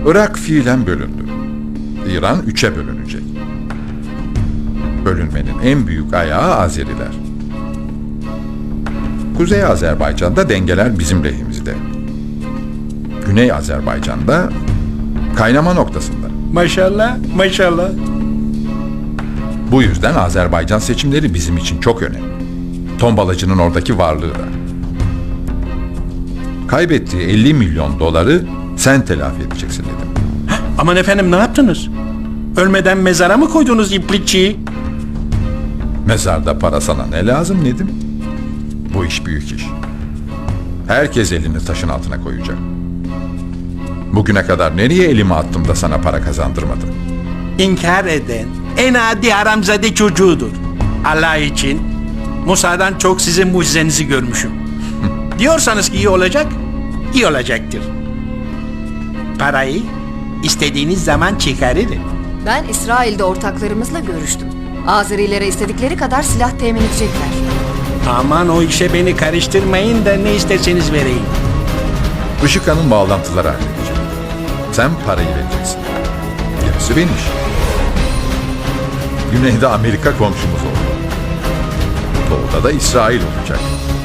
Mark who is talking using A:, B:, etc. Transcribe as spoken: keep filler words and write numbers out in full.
A: Irak fiilen bölündü. İran üçe bölünecek. Bölünmenin en büyük ayağı Azeriler. Kuzey Azerbaycan'da dengeler bizim lehimizde. Güney Azerbaycan'da kaynama noktasında.
B: Maşallah, maşallah.
A: Bu yüzden Azerbaycan seçimleri bizim için çok önemli. Tombalacının oradaki varlığı da. Kaybettiği elli milyon doları sen telafi edeceksin dedim.
B: Aman efendim, ne yaptınız? Ölmeden mezara mı koydunuz iplikçiyi?
A: Mezarda para sana ne lazım Nedim? Bu iş büyük iş. Herkes elini taşın altına koyacak. Bugüne kadar nereye elimi attım da sana para kazandırmadım?
B: İnkar eden en adi haramzade çocuğudur. Allah için Musa'dan çok sizin mucizenizi görmüşüm. Diyorsanız ki iyi olacak, iyi olacaktır. Parayı istediğiniz zaman çıkarırım.
C: Ben İsrail'de ortaklarımızla görüştüm. Azerilere istedikleri kadar silah temin edecekler.
B: Aman o işe beni karıştırmayın da ne isterseniz vereyim.
A: Işıkhan'ın bağlantıları halledecek. Sen parayı vereceksin. Gerisi benim işim. Güneyde Amerika komşumuz oldu. Doğuda da İsrail olacak.